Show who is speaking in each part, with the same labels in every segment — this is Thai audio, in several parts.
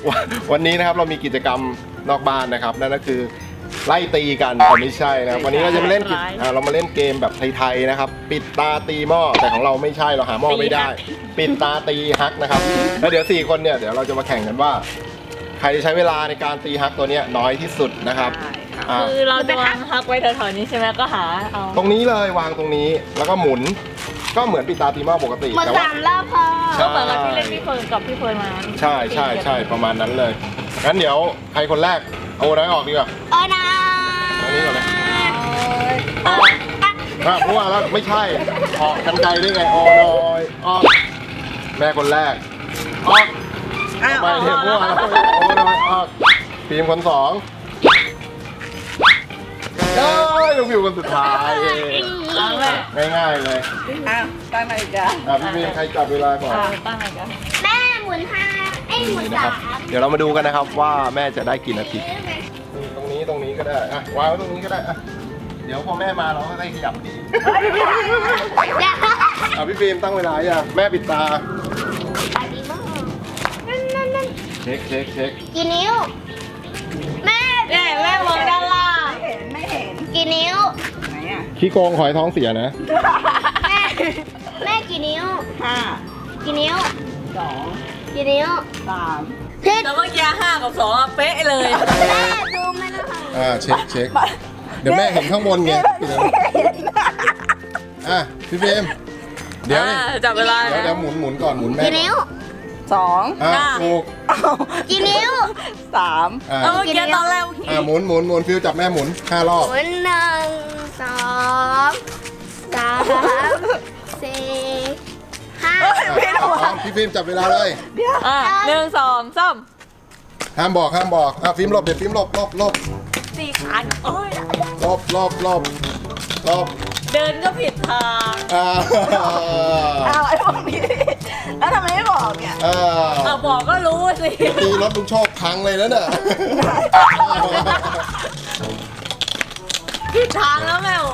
Speaker 1: วันนี้นะครับเรามีกิจกรรมนอกบ้านนะครับนั่นก็คือไล่ตีกันแต่ไม่ใช่นะครับวันนี้เราจะมาเล่นเรามาเล่นเกมแบบไทยๆนะครับปิดตาตีหม้อแต่ของเราไม่ใช่เราหาหม้อไม่ได้ ปิดตาตีฮักนะครับแล้วเดี๋ยว4คนเนี่ยเดี๋ยวเราจะมาแข่งกันว่าใครจะใช้เวลาในการตีฮักตัวเนี้ยน้อยที่สุดนะครับ
Speaker 2: คือเราจะวางฮักไว้แถวๆนี้ใช่ไหมก็หาเอา
Speaker 1: ตรงนี้เลยวางตรงนี้แล้วก็หมุนก็เหมือนปิดตาตีหม้อปกติ
Speaker 3: หมด
Speaker 1: แต่ว่า
Speaker 3: 3 รอบพอ
Speaker 2: ก็เหมือนกับที่เล่นพี่เฟิร์นกับพี่เฟิร์นมา
Speaker 1: ใช่ประมาณนั้นเลยงั้นเดี๋ยวใครคนแรกเอาน้อยออกดีกว่า
Speaker 3: โอ้นะ
Speaker 1: ตรงนี้ก่อนเลยเพราะว่าแล้วไม่ใช่ออกกันไกลได้ไงโอ้น้อยออกแม่คนแรกออกไปเห็นพวกเราโอ้น้อยออกทีมคน2ลูกผิวคนสุดท้ายง่ายๆเลย
Speaker 4: ตั้งไหนจ๊ะ
Speaker 1: พี่มีใครจับเวลาก่อน
Speaker 2: ตั้งไหนกัน
Speaker 3: แม่หมุน5หมุน
Speaker 1: นะครับเดี๋ยวเรามาดูกันนะครับว่าแม่จะได้กี่นาทีตรงนี้ก็ได้อ่ะวางไว้ตรงนี้ก็ได้อ่ะเดี๋ยวพอแม่มาเราก็ได้ขยับดีพี่ฟิล์มตั้งเวลาอย่างแม่ปิดตาเช็ค
Speaker 3: กี่นิ้วแม่
Speaker 2: แม่มองด้านล่าง
Speaker 4: ไม่เห็น
Speaker 3: กี่นิ้ว
Speaker 4: ไหนอ่ะ
Speaker 1: ขี้โกงหอยท้องเสียนะ
Speaker 3: แม่กี่นิ้ว
Speaker 4: 5
Speaker 3: กี่นิ้ว
Speaker 4: 2
Speaker 3: กี่นิ้ว
Speaker 4: 3
Speaker 3: ผิด
Speaker 2: แล้วเมื่อกี้5 กับ 2เป๊ะเลย
Speaker 3: แม่ดูไม่ได้
Speaker 1: เช็คเดี๋ยวแม่เห็นข้างบนไงพี่ฟิล์มเดี๋ยว
Speaker 2: จับเวลา
Speaker 1: เดี๋ยวหมุนก่อนหมุนแม่
Speaker 3: กี่นิ้ว
Speaker 4: 2
Speaker 1: ถูก
Speaker 3: กี่นิ้ว
Speaker 4: 3
Speaker 2: เมื่อกี้ตอนแรก
Speaker 1: หมุนฟิลจับแม่หมุน5 รอบ
Speaker 3: 1 2 3 4 5
Speaker 1: พี่ฟิล์มจับเวลาเลย
Speaker 2: 1 2 3
Speaker 1: ห้ามบอกฟิล์มหลบเดี๋ยวฟิล์มหลบ
Speaker 2: 4 ขาโอ้ย
Speaker 1: หลบ
Speaker 2: เดินก็ผิดทาง
Speaker 4: ไอ้พวกนี้แล้วทำไมไม่บอกเนี่ย
Speaker 2: บอกก็รู้สิ
Speaker 1: ตีรถลุงโชคพังเลยนะเนี่ย
Speaker 2: ผิดทางแล้วแม่โอ้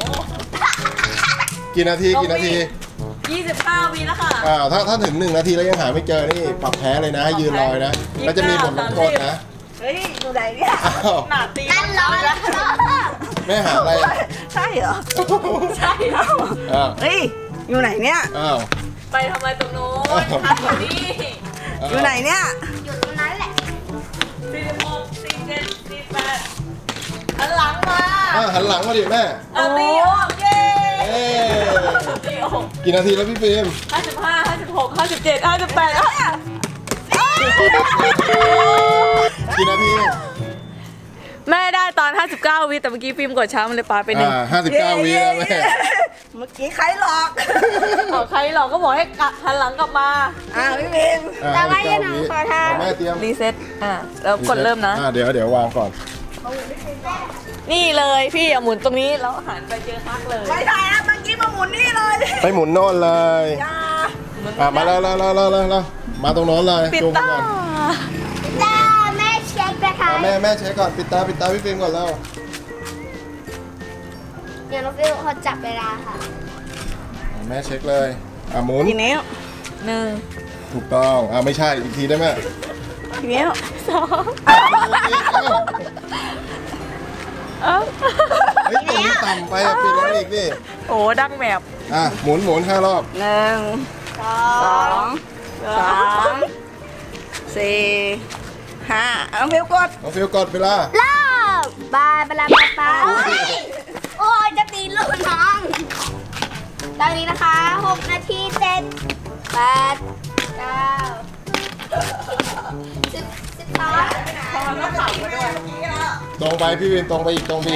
Speaker 1: กี่นาที
Speaker 2: 25 วิแล้วค่ะ
Speaker 1: ถ้าถึง1 นาทีแล้วยังหาไม่เจอนี่ปรับแพ้เลยนะให้ยืนรอยนะแล้วจะมีบทลงโทษนะ
Speaker 4: เฮ้ยอยู่ไหนเนี่ย
Speaker 2: หนาตี
Speaker 3: กันร้อนแล้ว
Speaker 1: แม่หาอะไร
Speaker 4: ใช่เหรอ
Speaker 2: ใช่
Speaker 4: เฮ้ยอยู่ไหนเนี่ย
Speaker 2: ไปทำไมตรงโน้นทันกว่านี้
Speaker 4: อยู่ไหนเนี่ย
Speaker 3: อยู่ตรงนั้นแหละ
Speaker 2: 46 47 48หันหลังมา
Speaker 1: หันหลังมาดิแม่
Speaker 2: ตีออกเย้ตีออก
Speaker 1: กี่นาทีแล้วพี่ฟิล์ม
Speaker 2: 55 56 57 58
Speaker 1: กี่นาที
Speaker 2: แม่ได้ตอน 59 วิแต่เมื่อกี้ฟิล์มกดช้ามันเลยปาไปหนึ่ง
Speaker 1: 59 วิแล้วแม่
Speaker 4: เมื่อกี้ใครหลอก
Speaker 2: ใครหลอกก็บอกให้หันหลังกลับมา
Speaker 4: พี่บิน
Speaker 3: แต่ว่ายังหนังขอทาน
Speaker 1: แม่เตรียม
Speaker 2: รีเซ็ตแล้วกดเริ่มนะ
Speaker 1: เดี๋ยววางก่อน
Speaker 2: นี่เลยพี่อย่าหมุนตรงนี้แล้วหันไปเจอฮักเลย
Speaker 4: ไม่ใช่นะเมื่อกี้มาหมุนนี่เลย
Speaker 1: ไปหมุนโน่นเลย
Speaker 4: ยา
Speaker 1: มาแล้วมาตรงโน้นเลย
Speaker 2: ปิด
Speaker 1: จูง
Speaker 2: ตา
Speaker 1: ก่อน
Speaker 3: จ้าแม่เช็คนะคะ
Speaker 1: แม่เช็คก่อนปิดตาพี่ฟิล์มก่อนแล้ว
Speaker 3: เดี๋ยวน้องฟิวเขาจับเวลาค่ะ
Speaker 1: แม่เช็คเลยหมุน
Speaker 4: กี่นิ้ว
Speaker 2: 1
Speaker 1: ถูกต้องไม่ใช่อีกทีได้ไหม
Speaker 4: กี่นิ้ว
Speaker 1: เฮ้ยตรงนี้ต่ำไปปิดแล้วอีกนี่
Speaker 2: โอ้ดังแมบ
Speaker 1: หมุน5 รอบ
Speaker 4: 1 2 3 4 5เอาฟิวกด
Speaker 1: น้องฟิลกดเวลา
Speaker 3: เริ่มบายบลาโอ้ยจะตีลูกน้องตอนนี้นะคะ6 นาที 7 8 9 10 12
Speaker 1: ตรงไปพี่วินตรงไปอีกตรงมาสิ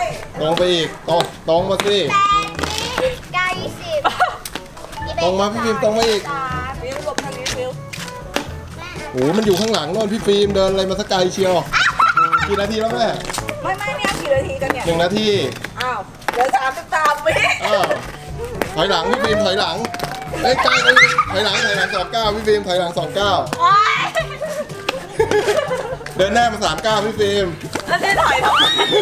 Speaker 1: ตรงมาพี่ฟิล์มตรงมาอีก
Speaker 4: ฟิวหลบทางนี้ฟิว
Speaker 1: โอ้มันอยู่ข้างหลังโน่นพี่ฟิล์มเดินอะไรมาสักไกลเชียวกี่นาทีแล้วแม่
Speaker 4: ไม่เนี่ยกี่นาทีกันเนี่ย
Speaker 1: 1 นาที
Speaker 4: อ้าวเดี๋ยว33 วิ
Speaker 1: ถอยหลังพี่ฟิล์มถอยหลังใกล้ไปถอยหลัง29พี่ฟิล์มถอยหลัง29เดินหน้ามา39พี่ฟิล์ม
Speaker 2: แล้วจะถอยทำไม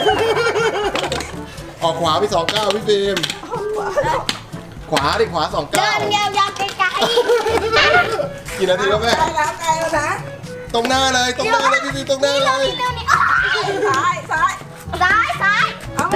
Speaker 1: ออกขวาไป29พี่ฟิล์มขวาขวา
Speaker 3: เดิน
Speaker 1: 29
Speaker 3: ยาวๆไกล
Speaker 1: กี่นาทีแล้วแม่
Speaker 4: ใกล้แล้วนะ
Speaker 1: ตตรงหน้าเลยพี่ฟิล์มตรงหน้าเลย
Speaker 3: เร็วนี่ซ้ายซ้ายเอาไป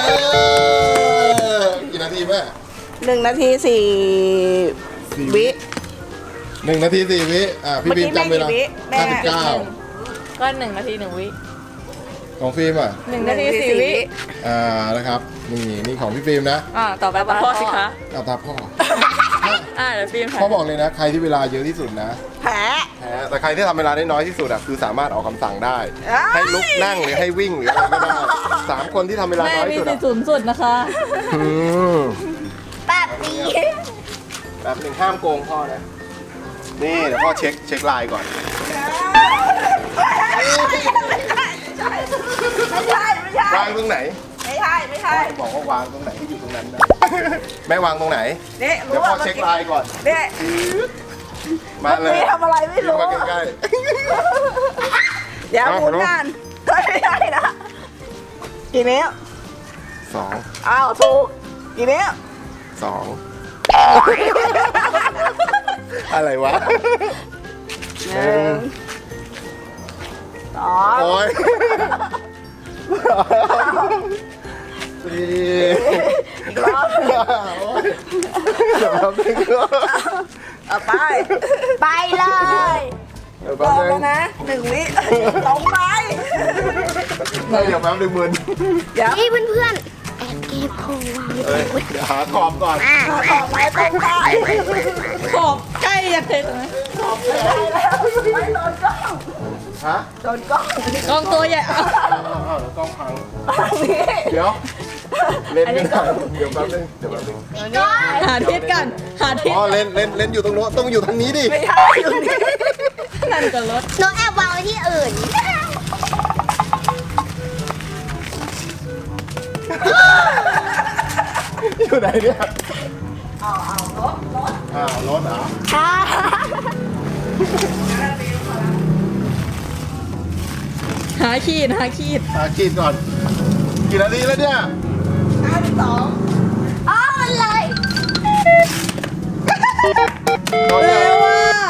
Speaker 1: กี่นาทีแม่
Speaker 4: 1 นาที 4 วิ
Speaker 1: 1 นาที 4 วิพี่ฟิล์มจำเวลา
Speaker 4: เมื่อกี้แม่กี่วิ
Speaker 1: 59
Speaker 2: ก็1 นาที 1 วิ
Speaker 1: ของฟิล์มอ่ะ
Speaker 2: 1 นาที 4 วิ
Speaker 1: นะครับนี่ของพี่ฟิล์มนะ
Speaker 2: ต่อไปพ่อสิคะ
Speaker 1: เอาตามพ่อ
Speaker 2: เดี๋ยวฟิล์มถ่าย
Speaker 1: พ่อบอกเลยนะใครที่เวลาเยอะที่สุดนะ
Speaker 4: แพ้
Speaker 1: แพ้แต่ใครที่ทำเวลาได้น้อยที่สุดอ่ะคือสามารถออกคำสั่งได้
Speaker 4: เอ้ย
Speaker 1: ให้ลุกนั่งหรือให้วิ่งหรืออะไรก็ได้3 คนที่ทำเวลา
Speaker 2: แม่
Speaker 1: น้อย
Speaker 2: มี
Speaker 1: ที่สุด
Speaker 2: สิ
Speaker 1: อะ
Speaker 2: ทธิ์สูงสุดนะคะ
Speaker 1: อืม
Speaker 3: แบบนี้
Speaker 1: แบบหนึ่งห้ามโกงพ่อนะนี่เดี๋ยวพ่อเช็คไลน์ก่อน
Speaker 4: ไม่ใช่
Speaker 1: วางตรงไหน
Speaker 4: ไม่ใช่
Speaker 1: บอกว่าวางตรงไหนให้อยู่ตรงนั้นนะแม่วางตรงไหน
Speaker 4: นี่
Speaker 1: เดี๋ยวพ่อเช็คไลน์ก่อน
Speaker 4: นี่
Speaker 1: มาเลย
Speaker 4: ทำอะไรไม่รู้
Speaker 1: มาใกล้
Speaker 4: เดี๋ยวหมุนกันไม่ได้นะกี่นิ้ว
Speaker 1: ๆ2
Speaker 4: อ้าวถูกกี่นิ้ว
Speaker 1: อะไรวะ
Speaker 4: 1 2
Speaker 1: โอ้ยสี่
Speaker 4: อีกรอบ
Speaker 1: โอ้ยเดี๋ยวแป๊บนึง
Speaker 4: เอาไป
Speaker 3: ไปเลย
Speaker 1: เดี๋ยว
Speaker 4: ร
Speaker 1: แป๊
Speaker 4: อ
Speaker 1: บบ นึ
Speaker 4: แล้ว
Speaker 1: ง
Speaker 4: นะ1 วิตรงไป
Speaker 1: เดี๋ยวแป๊บนึงมึน
Speaker 4: เดี๋ยว
Speaker 3: นี่เพื่อนๆแอบเก็บของวาง
Speaker 1: เอ้ยเดี๋ยวหาขอบก่อน
Speaker 4: ออกไปตรงไป
Speaker 2: ขอบใกล้จะเสร็จไหม
Speaker 4: ไม่โดนกล้อง
Speaker 1: ฮะ
Speaker 4: โดนกล้อง
Speaker 2: กล้องตัวใหญ่เอา
Speaker 1: เดี๋ยวกล้องพัง
Speaker 4: นี่
Speaker 1: เดี๋ยวเล่นไม่ได้เดี๋ยวแป๊บนึง
Speaker 2: หาทิศกันหาทิศ
Speaker 1: อ๋อเล่นอยู่ตรงโน้นต้องอยู่ทางนี้ดิ
Speaker 4: ไม่ใช่อยู่นี่
Speaker 2: นั่นกับรถ
Speaker 3: หนูแอบวางไว้ที่อื่น
Speaker 1: อยู่ไหนเนี่ย
Speaker 4: เอารถ
Speaker 1: รถเหรอ
Speaker 3: ค่ะ
Speaker 2: หาขีด
Speaker 1: ขีดก่อนกี่นาทีแล้วเนี่ย
Speaker 4: 52
Speaker 3: อ๋อมันเลย
Speaker 1: ตอน
Speaker 2: เร็
Speaker 1: นี้
Speaker 2: วอ่ะ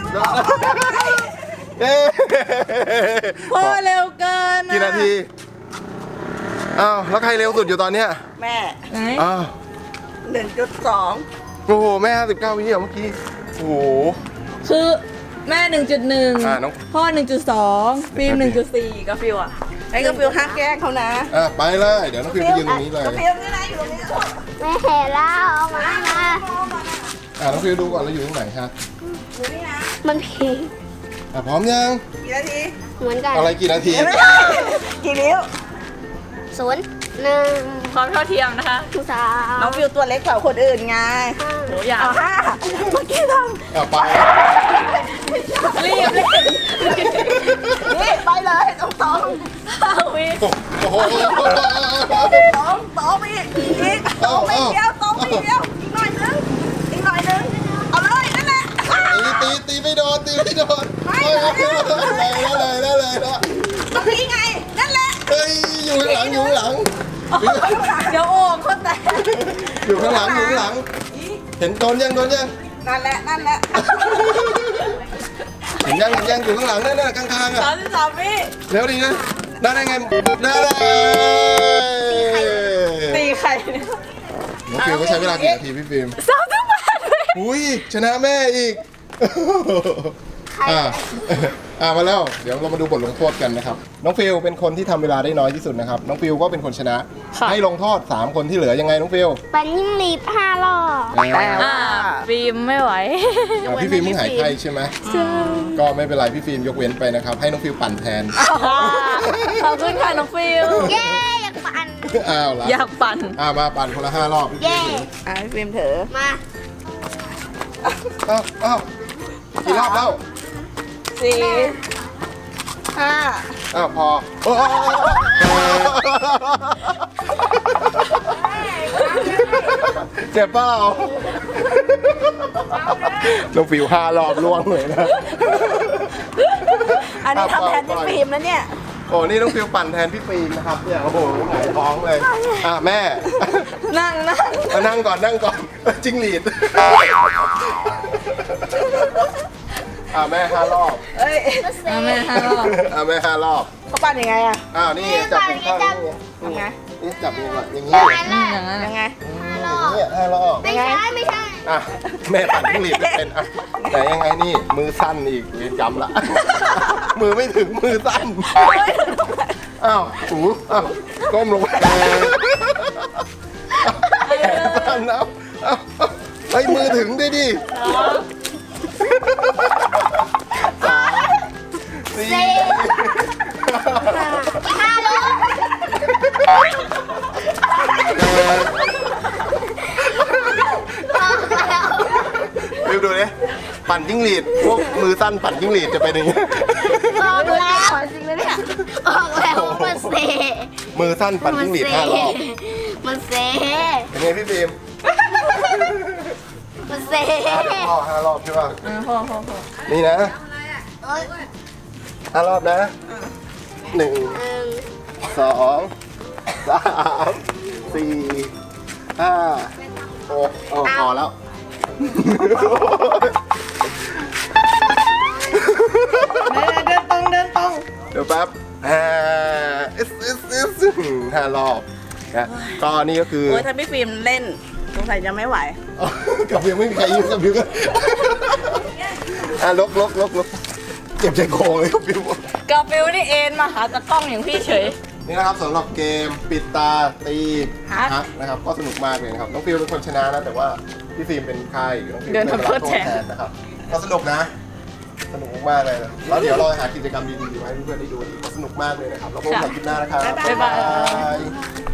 Speaker 1: เอ๊ะ
Speaker 2: พ่อเร็วเกิน
Speaker 1: กี่นาทีอ้าวแล้วใครเร็วสุดอยู่ตอนเนี้ย
Speaker 4: แม่
Speaker 2: ไหน
Speaker 1: อ้าว
Speaker 4: 1.2
Speaker 1: โอ้โหแม่59วิเมื่อกี้โอ้โห
Speaker 2: คือแม่
Speaker 1: น้อง
Speaker 2: 1.1 พ่อ 1.2 ฟิล์ม 1.4กับฟิวอ่ะ
Speaker 4: ไอ้กระฟิวห้ามแกล้งเขานะ
Speaker 1: ไปเลยเดี๋ยวน้องฟิวไปยืนตรงนี้เลย
Speaker 4: กระฟิวนี่นะอยู่ตรงนี้ลูก
Speaker 3: แม่เห็นแล้วเอามา
Speaker 1: น้องฟิวดูก่อนเราอยู่ตรงไหนครับ
Speaker 4: อยู่นี่นะ
Speaker 3: มันเพลง
Speaker 1: พร้อมยัง
Speaker 4: กี่นาที
Speaker 3: เหมือนกัน
Speaker 1: อะไรกี่นาที
Speaker 4: ไม่ใช่กี่นิ้ว
Speaker 3: 0 1
Speaker 2: ความเท่าเทียมนะคะ
Speaker 3: 3
Speaker 4: น้องฟิวตัวเล็กกว่าคนอื่นไง
Speaker 2: โหอย่า
Speaker 4: เอา5เมื่อกี้ท
Speaker 1: ไป
Speaker 2: รีบ
Speaker 4: ำนี่ไปเลยตรง
Speaker 2: 5 วิ
Speaker 1: โอ้โห
Speaker 4: ตรงไปอีกตรงไปเดียวตรงไปเดียวอีกหน่อยนึงเอาเลยนั่นแหละ
Speaker 1: ตีไม่โดนได้เลย
Speaker 4: ตรงนี้ไงนั่นแหละ
Speaker 1: เฮ้ยอยู่ข้างหลัง
Speaker 2: เดี๋ยวโอ่งเขาแตก
Speaker 1: อยู่ข้างหลังเห็นโดนยัง
Speaker 4: นั่นแหละ
Speaker 1: เห็นยังอยู่ข้างหลังนั่นน่ะข้างๆอ่ะ
Speaker 2: 33 วิ
Speaker 1: เร็วดินะได้ไงได้เลย
Speaker 2: ตีใครเนี่ย
Speaker 1: น้องฟิวก็ใช้เวลากี่นาทีพี่ฟิล์ม
Speaker 2: 38 วิ
Speaker 1: อุ้ยชนะแม่อีกมาแล้วเดี๋ยวเรามาดูบทลงโทษกันนะครับน้องฟิลเป็นคนที่ทำเวลาได้น้อยที่สุดนะครับน้องฟิลก็เป็นคนชนะ ให้ลงโทษ3 คนที่เหลือยังไงน้องฟิล
Speaker 3: ปันยิ่งรีบ5 รอบ
Speaker 2: ฟิล์มไม่ไหว
Speaker 1: พี่ฟิล์มมึงหายไข้ใช่ไหมก็ไม่เป็นไรพี่ฟิล์มยกเว้นไปนะครับให้น้องฟิลปั่นแทน
Speaker 2: ขอบคุณค่ะน้องฟิล
Speaker 3: เย้อยากปั่น
Speaker 1: อ้าวละ
Speaker 2: อยากปั่น
Speaker 1: มาปั่นคนละ5 รอบพี่ฟิ
Speaker 3: เย้
Speaker 1: ล์ม
Speaker 4: พี่ฟิล์มเถอะ
Speaker 3: มา
Speaker 1: อ้าวกี่รอบแล้ว
Speaker 4: 4 5
Speaker 1: พอเจ็บเปล่าน้องฟิว5 รอบล่วงเลยนะ
Speaker 4: อันนี้ทำแทนพี่ฟิล์มแล้วเนี่ย
Speaker 1: โอ้นี่น้องฟิวปั่นแทนพี่ฟิล์มนะครับเนี่ยโอ้โหหงายท้องเลยแม่
Speaker 2: นั่ง
Speaker 1: นั่งก่อนจิ้งหรีดแม่5 รอบ
Speaker 4: เอ้ย
Speaker 2: เอาแม่5 รอบ
Speaker 1: แม่5 รอบ
Speaker 4: เขาปั้นยังไงอะ
Speaker 1: นี่จับเป็นข้างนี่
Speaker 4: ทำไง
Speaker 1: นี่จับยังไงอย่างนี้
Speaker 3: อย่างนั้นแหละ
Speaker 2: อย่างนั้น
Speaker 4: ยังไง
Speaker 1: อย่างนี้5 รอบ
Speaker 3: ไม่ใช่ไม่ใช่
Speaker 1: แม่ปั่นจิ้งหรีดไม่เป็นแต่ยังไงนี่มือสั้นอีกเรียนจำละ มือไม่ถึงมือสั้นหูก้มลงไปแขนสั้นแล้วไอ้มือถึงดิ 4
Speaker 3: 5 ลูก
Speaker 1: ดูดิปั่นจิ้งหรีดพวกมือสั้นปั่นจิ้งหรีดจะเป็นอย่างนี้
Speaker 3: ออกแล้ว
Speaker 4: จริงเลยเนี่ย
Speaker 3: ออกแล้วมันเซ
Speaker 1: มือสั้นปั่นจิ้งหรีด5 รอบ
Speaker 3: มันเซ
Speaker 1: เป็นไงพี่ฟิล์ม
Speaker 3: มันเซ
Speaker 1: 5 รอบใช่ป่ะ
Speaker 2: พอ
Speaker 1: นี่นะ
Speaker 3: เอ้ย
Speaker 1: 5 รอบนะ 1 2 3 4 5 6พอแล้ว
Speaker 4: เดินตรงเดินตรง
Speaker 1: เดี๋ยวแป๊บ5 รอบนะก็นี่ก็คือ
Speaker 4: โอ้ยถ้าพี่ฟิล์มเล่นสงสัยจะไม่ไหว
Speaker 1: กับฟิวไม่มีใครยืมกับฟิวก็ลกเจ็บใจโครงเลยกับฟิว
Speaker 2: กาฟิลนี่เอ็นมาหาตะกล้องอย่างพี่เฉย
Speaker 1: นี่นะครับสำหรับเกมปิดตาตี
Speaker 2: ฮัก
Speaker 1: ฮักนะครับก็สนุกมากเลยนะครับน้องฟิวเป็นคนชนะนะแต่ว่าพี่ฟิล์มเป็นใครน้องฟิว
Speaker 2: เดินทำโทษแทน
Speaker 1: นะครับก็สนุกนะ สนุกมากเลยนะแล้วเดี๋ยวเราหากิจกรรมดีๆมาให้เพื่อนๆได้ดูอีกก็สนุกมากเลยนะครับแล้วพบกันใหม่คลิปหน้านะครับ
Speaker 4: บ๊ายบาย
Speaker 1: ย